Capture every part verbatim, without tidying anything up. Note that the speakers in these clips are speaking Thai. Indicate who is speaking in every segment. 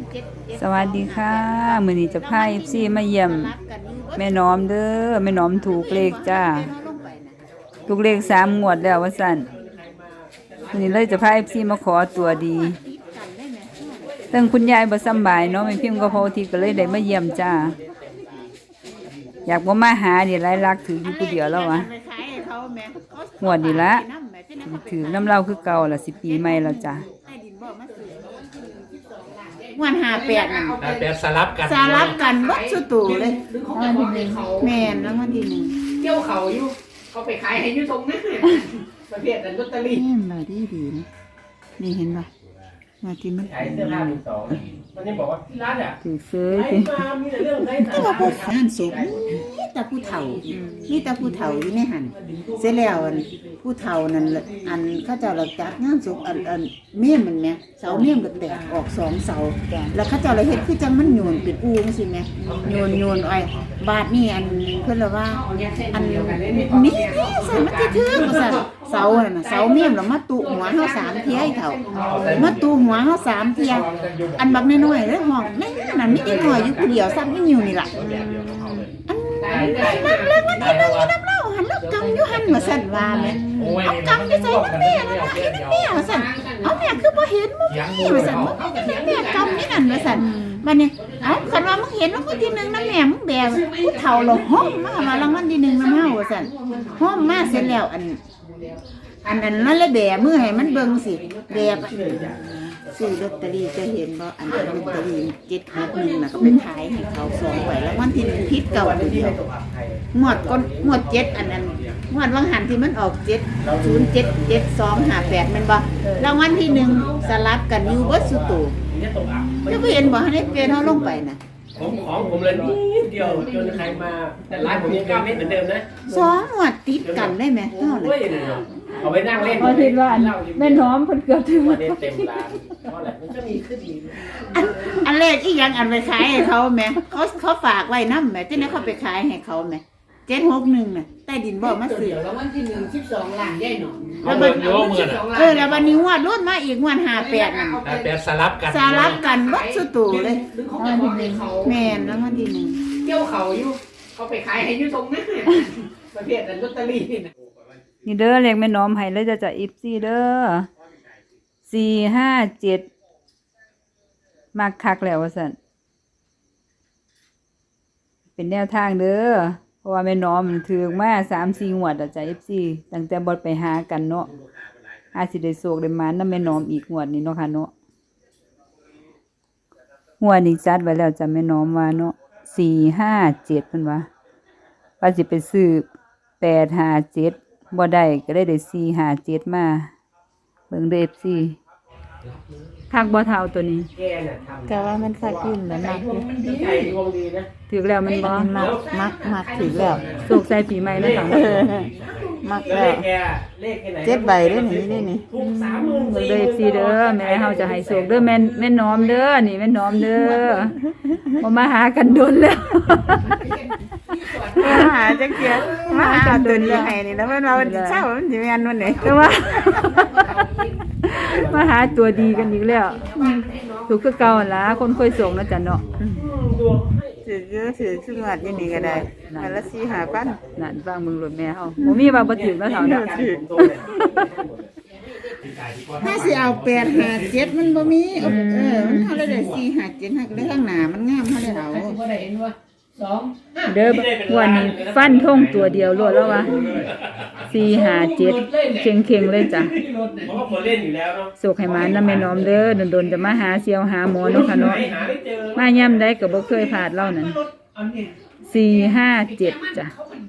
Speaker 1: สวัสดีค่ะมื้อนี้จะพา เอฟ ซี มาเยี่ยมแม่น้อมเด้อแม่น้อมถูกเลขจ้าถูกเลขสามงวดแล้วว่าซั่นมื้อนี้เลยจะพา เอฟ ซี มาขอตัวดีตั้งคุณยายบ่สำบายเนาะแม่พิมพ์ก็พอทีก็เลยได้มาเยี่ยมจ้าอยากบ่มาหานี่หลายลักถืออยู่ผู้เดียวแล้ววะงวดนี่ละถือน้ำเหล้าคือเก่าล่ะสิปีใหม่แล้วจ้า
Speaker 2: วันหาแปดน่ะ
Speaker 3: หาแปดสลับกัน
Speaker 2: สลับกันวัดสุตูเลยแม่นแล้ววันที่หนึ่ง
Speaker 3: เที่ยวเขาอยู่เขาไปขายให้อยู่ตรงนั้นประเภทนั้นลอตเตอรี่
Speaker 2: นี่มาดีดีนะนี่เห็นป่ะมาที่มัน
Speaker 3: ขายเสื้อผ้ามือสองมันยังบอกว่าที่ร้านอ่ะ
Speaker 1: ถือซื้อ
Speaker 3: ขายมามีแต่เรื่องได้
Speaker 2: แต่ว่าพวกงานศพนี่แต่ผู้เฒ่านี่แต่ผู้เฒ่าอยู่ในหันเสร็จแล้วผู้เฒ่านั่นอันเขาเจ้าเราจัดงานศพอันอันเมี่ยมมันแม่เสาเมี่ยมก็แตกออกสองเสาแล้วเขาเจ้าเราเฮ็ดคือจังมันโยนเป็นอูจังซี่แม่โยนโยนอ้อยบาดนี่อันเพิ่นว่าอันนี่ใส่มันสิถือว่าซั่นเสานั่นน่ะเสาเมี่ยมแล้วมาตุหัวเฮาสามเที่ยเฒ่ามาตุหัวเฮาสามเที่ยอันบักน้อยๆเด้อห้องนั่นน่ะมีอีกหน่อยอยู่ผู้เดียวซ้ำอีอยู่นี่ล่ะอันนั่นเลยมันที่นึงอยู่น้ำเล่าหันแล้วกำอยู่หันมาสั่นว่าแม่เอากำไปใส่น้ำแม่นั่นนะให้น้ำแม่มาสั่นเอาแม่คือบ่เห็นมึงนี่มาสั่นมึงแม่กำนี่นั่นมาสั่นบัดนี้เอาคันว่ามึงเห็นว่าคนที่หนึ่งน้ำแม่มึงแบกผู้เฒ่าเราห้อมมามารางวัลที่หนึ่งน้ำเฮาว่าสั่นห้อมมาเสร็จแล้วอันอันนั้นนั่นเลยแบกมือให้มันเบิ่งสิแบกซื้อลอตเตอรี่จะเห็นบ่อันลอตเตอรี่เจ็ดหกหนึ่งน่ะก็ไปขายให้เขาสองใบแล้ววันที่หนึ่งพิษเก่าเดียวงวดก้นงวดเจ็ดอันนั้นงวดวังหันที่มันออกเจ็ดศูนย์เจ็ดเจ็ดสองห้าแปดมันบ่แล้ววันที่หนึ่งสลับกันอยู่เบิดสุตูจะไปเห็นบ่ให้เป็นเขาลงไปน่ะ
Speaker 3: ผมของผมเลยนิดเดียวจนใครมาแต่ร้านผมยังเก้าเม็ดเหมือนเดิมนะ
Speaker 2: สองงวดติดกันได้ไหมเท่าไหร่
Speaker 3: เอาไปนั่งเล่น
Speaker 1: พอคิดว่าแม่น้อมเพิ่นเกือบถึง
Speaker 3: วันนี้เต็มร้านเพราะอะไรมันจะมีขึ้นอีก
Speaker 2: อันอันแรกอีหยังอันไปขายให้เขาแม่เขาเขาฝากไว้นำแม่ที่นั้นเขาไปขายให้เขาแม่เจ็ดหกหนึ่งน่ะใต้ดินบ่มาซื้อ
Speaker 4: แล้ววันที่หนึ่งสิบสองล้านได้หนอ
Speaker 3: แล้วมันเยอะเหมือน
Speaker 2: เออแล้ววันนี้งวดรุ่นมาอีกงวดห้าแปดน่ะ
Speaker 3: ห้าแปดสลับกัน
Speaker 2: สลับกันวัดสุตูเลยแม่นแล้ววันที่หนึ่ง
Speaker 4: เที่ยวเขาอยู่เขาไปขายให้อยู่ตรงนั้นประเภทนั้นลอตเตอรี่
Speaker 1: นี่เด้อเลขแม่น้อมให้เลยจะจะอีฟซี่เด้อสี่ห้าเจ็ดมากคักแล้วว่าสันเป็นแนวทางเด้อเพราะว่าแม่น้อมถือมาสามสี่งวดอะจะอีฟซี่ตั้งแต่บดไปหากันเนาะอาสิได้โศกได้มาน้ำแม่น้อมอีกงวดนี้เนาะค่ะเนาะงวดนี้จัดไว้แล้วจะแม่น้อมว่าเนาะสี่ห้าเจ็ดเป็นว่าว่าสิไปซื้อแปดห้าเจ็ดบ่ได้ก็ได้ได้สี่ห้าเจ็ดมาเบิ่งเด้อ เอฟ ซี คักบ่เท่าตัวนี้
Speaker 2: ก็ว่ามันคักขึ้นแล้วมัก
Speaker 1: ถือแล้วมันบ่
Speaker 2: มักมักมักถือแล้ว
Speaker 1: โศกใส่ปีใหม่นะค่ะ
Speaker 2: มักแล้วเจ็ดใบเด้อนี่นี่นี่
Speaker 1: เบิ่งเด้อ เอฟ ซี เด้อแม่เฮาจะให้โศกเด้อแม่แม่น้อมเด้อนี่แม่น้อมเด้อบ่มาหากันโดนแล้ว
Speaker 2: มาหาจังเกียมาหาตัวนี้ให้นี่แล้วมันเราเช้ามันสิแม่นวันไหน
Speaker 1: แต่ว่ามาหาตัวดีกันอีกแล้วถูกคือเก่าล่ะคนค่อยส่งนะจ๊ะเนาะ
Speaker 2: ถือเยอะถือซึ่งวัดยังนี่ก็ได้มาละสี่ห้าพัน
Speaker 1: นั่นฟังมึงรถแม่เฮาบ่มีว่าบ่ถึงแล้วเท่านั้น
Speaker 2: ถ้าสิเอาแปดห้าเจ็ดมันบ่มีเออมันเฮาได้สี่ห้าเจ็ดฮักได้ข้างหน้ามันงามเฮาได้เอา
Speaker 1: เด้อวันนี้ฟันท่งตัวเดียวรวดแล้ววะสี่ห้าเจ็ดเข่งเข่งเลยจ้ะโศกให้มาน้ำแม่น้อมเด้อโดนๆจะมาหาเซียวหาหมอเนาะค่ะเนาะมาย่ำได้ก็บ่เคยผ่านเล่านั่นสี่ห้าเจ็ดจ้ะ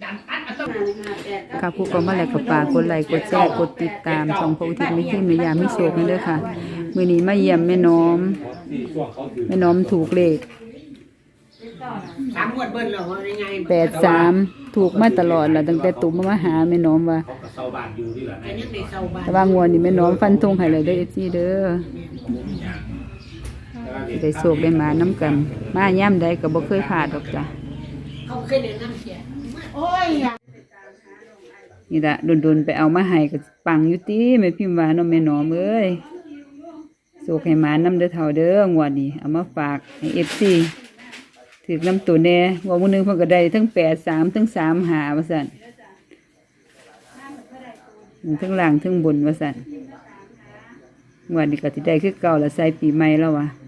Speaker 1: ค่ะผู้กองมาแล้วก็ฝากกดไลค์กดแชร์กดติดตามช่องพระอุทิศมิตรแม่ยามิโศกนี่เด้อค่ะมื้อนี้มาเยี่ยมแม่น้อมแม่น้อมถูกเลข
Speaker 4: สามงวดเบิ้ลเหรอยังไง
Speaker 1: แปดสามถูกมาตลอดแหละตั้งแต่ตุ่มมาหาแม่น้อมว่าแต่ว่างวดนี้แม่น้อมฟันธงให้เลยเด้อ เอฟ ซี เด้อได้โศกได้มาน้ำกันมาย่ำได้ก็บ่เคยผ่าดอกจ้ะ
Speaker 4: เขาเคยเดินน้ำเขีย
Speaker 2: โอ้ย
Speaker 1: นี่ละโดนๆไปเอามาให้ก็ปังอยู่ติแม่พิมพ์ว่าเนาะแม่น้อมเอ้ยโศกให้หมานำเด้อเฒ่าเด้องวดนี้เอามาฝากให้ เอฟ ซี ถึกน้ำตัวแน่ว่ามื้อนึงเพิ่นก็ได้ทั้งแปด สามทั้งสามหาว่าซั่นทั้งล่างทั้งบนว่าซั่นงวดนี้ก็สิได้คือเก่าละใส่ปีใหม่แล้วว่ะ